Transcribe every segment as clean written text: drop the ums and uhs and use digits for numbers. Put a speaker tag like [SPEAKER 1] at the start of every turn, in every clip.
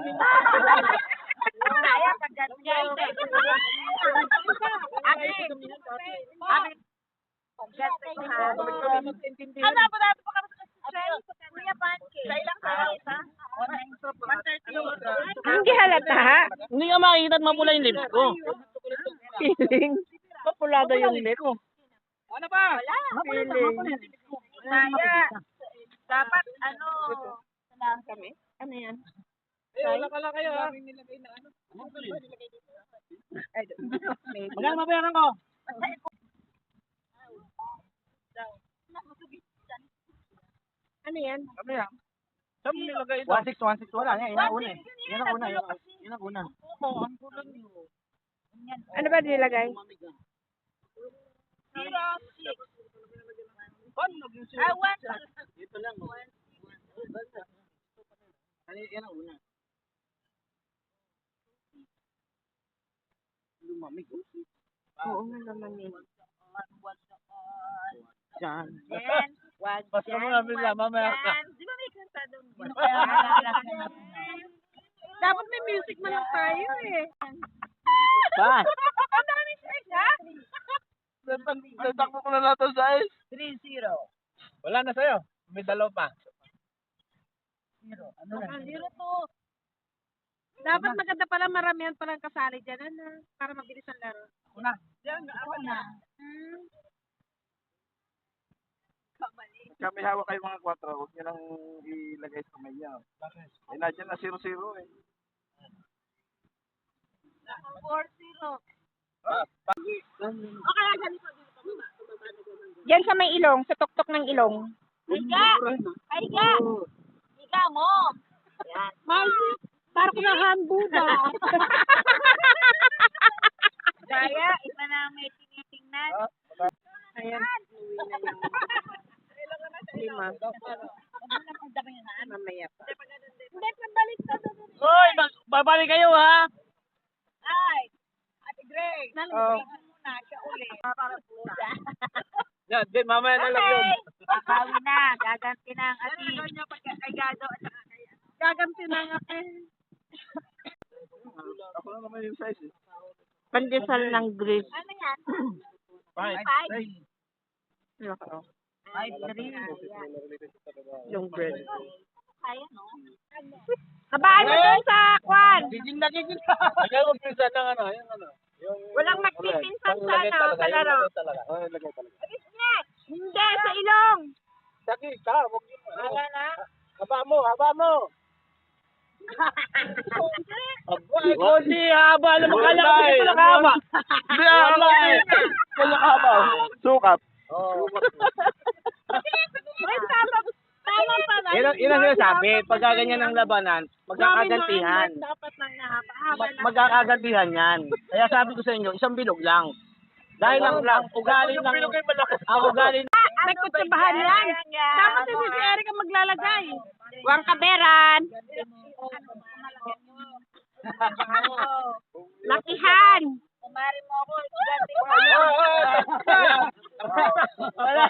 [SPEAKER 1] Kaya pagkat guys. Ano ba dapat pa kami sa Kuya Pancake? Sa ilang kayo?
[SPEAKER 2] Hindi halata.
[SPEAKER 3] Hindi nga makikita at mapula yung lips ko.
[SPEAKER 2] Feeling. Mapulado yung lips.
[SPEAKER 3] Ano ba?
[SPEAKER 2] Feeling.
[SPEAKER 1] Kaya, dapat
[SPEAKER 2] Kami? Ano yan?
[SPEAKER 3] Wala pala kayo ha. Magkano mabayaran ko?
[SPEAKER 2] Ano yan?
[SPEAKER 3] Ano yan? Saan mo nilagay ito? 1.6, 1.6, wala. Yan ang una eh. Yan ang una. Yan ang una.
[SPEAKER 2] Ano ba nilagay?
[SPEAKER 1] 06.
[SPEAKER 3] Paano naging sila? Ito lang. Yan ang una. Lumamig.
[SPEAKER 2] Oo nga naman eh.
[SPEAKER 3] Yan.
[SPEAKER 1] Wag
[SPEAKER 3] Basta mo namin lang, mamaya ka.
[SPEAKER 1] Di ba may kanta doon?
[SPEAKER 2] Dapat may music man lang tayo eh.
[SPEAKER 3] Saan?
[SPEAKER 1] Ang dami siya.
[SPEAKER 3] Natakbo ko na lahat sa size.
[SPEAKER 1] 3-0.
[SPEAKER 3] Wala na sa'yo. May dalaw pa.
[SPEAKER 1] Ano na? 0-2.
[SPEAKER 2] Dapat maganda pala maramihan palang kasali dyan. Ano? Para mabilis ang laro.
[SPEAKER 3] Ako na.
[SPEAKER 1] Ako na.
[SPEAKER 4] Kami hawak kayo mga 4, huwag nyo lang ilagay sa kamay niya. Bakit? Eh, nandiyan na 0-0 eh.
[SPEAKER 1] 4-0.
[SPEAKER 2] Diyan sa may ilong, sa tuktok ng ilong.
[SPEAKER 1] Higa! Higa! Higa mo! Yan.
[SPEAKER 2] Parang kinahambuda.
[SPEAKER 1] Kaya, iba na may tinitingnan.
[SPEAKER 2] Ayan. Lima. Mamaya pa.
[SPEAKER 1] Hindi, pabalik ka doon.
[SPEAKER 3] Hoy! Babalik kayo ha!
[SPEAKER 1] Ay! Ate Greg!
[SPEAKER 2] Oh.
[SPEAKER 1] Muna siya uli. Para pusa.
[SPEAKER 3] Yan, din, mamaya na lang yun.
[SPEAKER 1] Babawi na. Gaganti na ang ati. Ay, gado.
[SPEAKER 2] Gaganti na nga eh.
[SPEAKER 4] Ako lang naman yung size eh.
[SPEAKER 2] Pandesal ng grease.
[SPEAKER 1] Ano yan?
[SPEAKER 3] 5.
[SPEAKER 2] Loko.
[SPEAKER 1] 5-3.
[SPEAKER 2] Yung bread.
[SPEAKER 1] Kaya, no?
[SPEAKER 2] Habaan mo dun sa kwan.
[SPEAKER 3] Giging na. Kaya magpinsan ng ano, yung ano.
[SPEAKER 2] Walang magpipinsan sa ano, kalaro.
[SPEAKER 4] Oh, lagay talaga.
[SPEAKER 2] Hindi, sa ilong.
[SPEAKER 3] Saki, ka, huwag yun.
[SPEAKER 2] Wala na.
[SPEAKER 3] Haba mo. Ay, Kosi, haba. Alam mo, kala ko ito lang haba.
[SPEAKER 4] Hindi ako eh. Kaya haba. Sukat.
[SPEAKER 3] Oo.
[SPEAKER 2] Ay, tama pala.
[SPEAKER 3] Yun ang sinasabi. Pagka ganyan ang labanan, magkakagantihan.
[SPEAKER 2] Dapat nang nahaba.
[SPEAKER 3] Magkakagantihan yan. Kaya sabi ko sa inyo, isang bilog lang. Dahil ang ugali ng... Ang ugali ng...
[SPEAKER 2] May kutsabahan yan. Dapat hindi si Eric ang maglalagay. Huwag kaberan. Lakihan.
[SPEAKER 1] Kumari mo ako. Ganti mo.
[SPEAKER 3] Wala.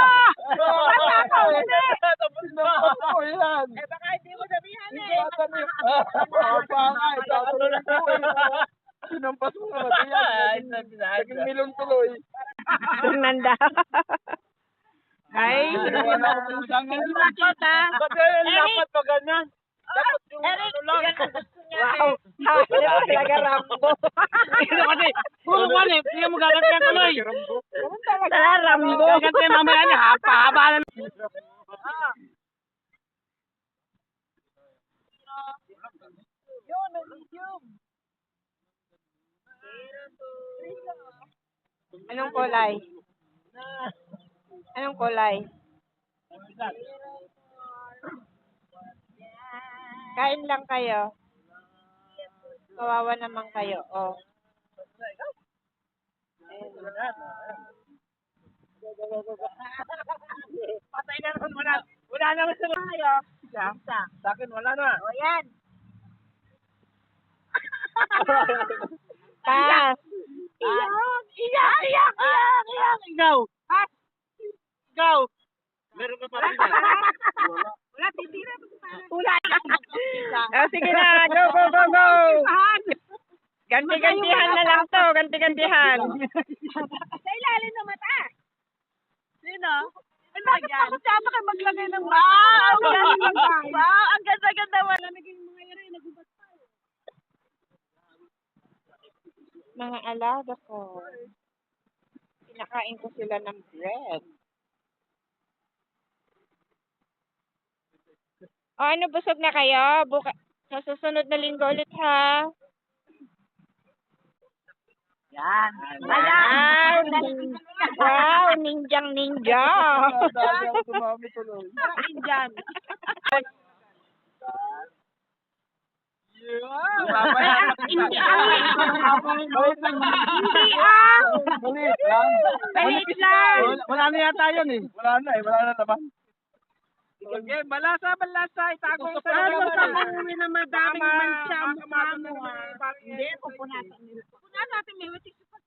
[SPEAKER 4] Tapos na ako yan.
[SPEAKER 1] Eh, baka hindi mo sabihan eh.
[SPEAKER 4] Sinampas mo naman yan. Naging milon tuloy.
[SPEAKER 2] Fernanda. Ay,
[SPEAKER 4] Wala ako pusang
[SPEAKER 2] hindi makita.
[SPEAKER 3] Dapat pa ganyan. Dapat yung
[SPEAKER 1] Eric,
[SPEAKER 3] ano lang.
[SPEAKER 1] yan ang gusto niya.
[SPEAKER 2] Wow. Hawak niya talaga Rambo.
[SPEAKER 3] Ito kasi, puro kwan eh. Hindi mo gagantihan tuloy.
[SPEAKER 2] Talaga Rambo.
[SPEAKER 3] Gagantihan mamaya niya. Haba na.
[SPEAKER 1] Yun, medium.
[SPEAKER 2] Anong kulay? Anong kulay? Kain lang kayo. Kawawa naman kayo. Oh.
[SPEAKER 3] Patay na naman. Wala naman sa
[SPEAKER 1] Tayo. Isa.
[SPEAKER 3] Sa akin, wala na.
[SPEAKER 1] O yan.
[SPEAKER 2] Pass.
[SPEAKER 3] Iyak. Ikaw. Ikaw. Meron ka pa rin.
[SPEAKER 2] Wala, titira.
[SPEAKER 1] Tula lang.
[SPEAKER 2] Oh, sige na, go, go, go, go. Ganti-gantihan na lang to, ganti-gantihan.
[SPEAKER 1] Sa ilalim ng mata. Sino? Ay, bakit ako siya kayo maglagay ng wow! Wow! Ang ganda-ganda mo. Naging mga yari, nagubat pa.
[SPEAKER 2] Mga alaga ko. Pinakain ko sila ng bread. O, ano, busog na kayo? Sa susunod na linggo ulit, ha?
[SPEAKER 3] Yan.
[SPEAKER 2] Wow! Wow! Ninjang ninja!
[SPEAKER 4] Dami ako tumami tuloy.
[SPEAKER 1] Indian.
[SPEAKER 2] Hindi
[SPEAKER 4] Balit lang.
[SPEAKER 2] Balit lang!
[SPEAKER 3] Wala na yata yun eh.
[SPEAKER 4] Wala na eh, wala na naman.
[SPEAKER 3] Okay, balasa. Itago sa
[SPEAKER 2] Ano sa uwi na madaming mancha mo?
[SPEAKER 1] Hindi, pupunasan nila. Pupunasan natin, may witik sa